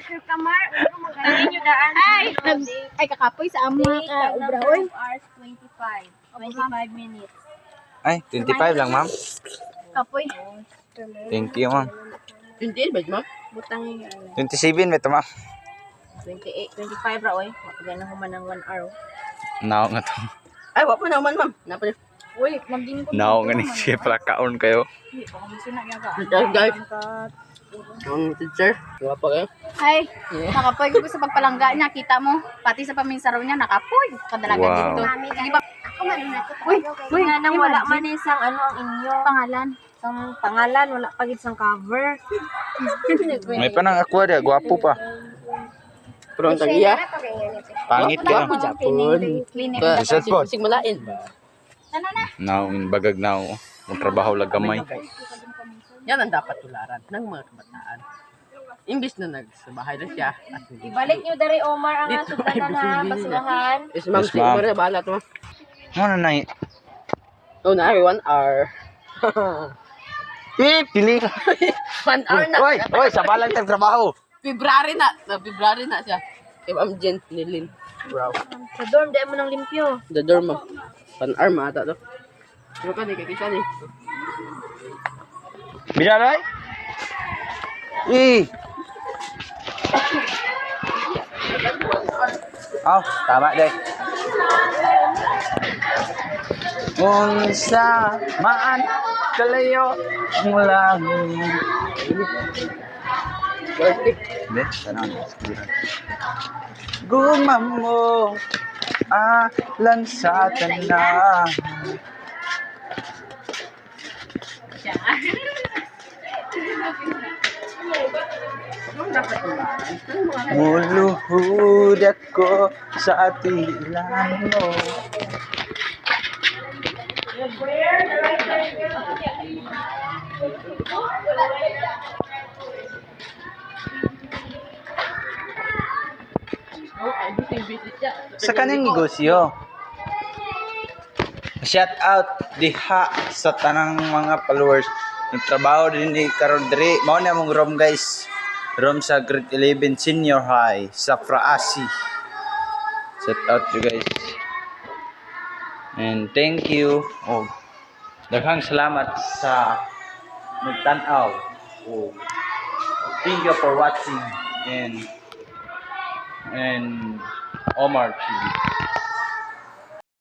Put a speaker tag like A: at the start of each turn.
A: Sir Kamar, magaling nyo daan.
B: Ay, kakapoy sa amo ka, ubra, oy.
A: 2 hours 25. 25 minutes.
C: Ay, 25 lang, ma'am.
B: Kapoy.
C: Thank you, ma'am.
D: 28 ba, ma'am?
A: Butang yung
C: 27 ito, ma'am.
A: 28, 25 ra, oy. Makagana ko man ng 1 hour.
C: Now nga to.
D: Ay, wala pa naman, ma'am. Napali.
B: Uy, magding ko.
C: Now nga ni siya pala kaon kayo.
D: Guys. Teacher. Wala pa kayo.
B: Ay, nakapoy ko sa pagpalangga niya. Kita mo, pati sa paminsaraw niya, nakapoy. Kadalaga
C: Wow.
B: dito. Di ba?
A: Ako man na ko.
B: Uy,
A: Nga nang wala
B: imagine.
A: man isang ano ang inyo.
B: Pangalan.
A: Ang pangalan, wala pa gid sang cover.
C: May panang aqua dia, gwapo pa.
D: Pero ang tagiya.
C: Pangit ka.
D: Wapo Japon.
B: Clinic.
C: Reset po.
D: Sig malain ba?
B: Ano na?
C: Now, bagag now. Magtrabaho lang gamay.
D: Yan ang dapat tularan ng mga kabataan. Imbis na nagsabahay na siya.
A: Ibalik nyo dari Omar ang
D: Dito
A: sudan
D: ay
A: na
D: busy-busy
A: basurahan.
D: Yes, ma'am.
C: Yes,
D: Sige
C: ma'am.
D: mo rin. Bahala to, ma'am.
C: Ano na eh?
D: Oh, na, 1 hour.
C: Pili ka.
D: 1 hour na.
C: Oy, sa balang trabaho.
D: February na. February na siya. Kay Ma'am Jen Nilin. Wow.
A: Sa dorm, dahil mo ng limpyo.
D: The door mo. 1 hour mata to. Ano ka, di kakisa ni.
C: Bilalay? Oh, tama deh. Unsa maan kalayo ang langit. Hindi, tanong. Gumam mo alan sa tanan. Muluhod ako sa atilan mo. Sa kanang negosyo. Shout out diha sa tanang mga followers. Nagtrabaho din ni karon diri. Mao na mong room guys. Room sa grade 11 senior high sa Fraasi. Shout out you guys. And thank you. Oh. Daghang salamat sa nagtan-aw. Oh. Thank you for watching and Omar TV.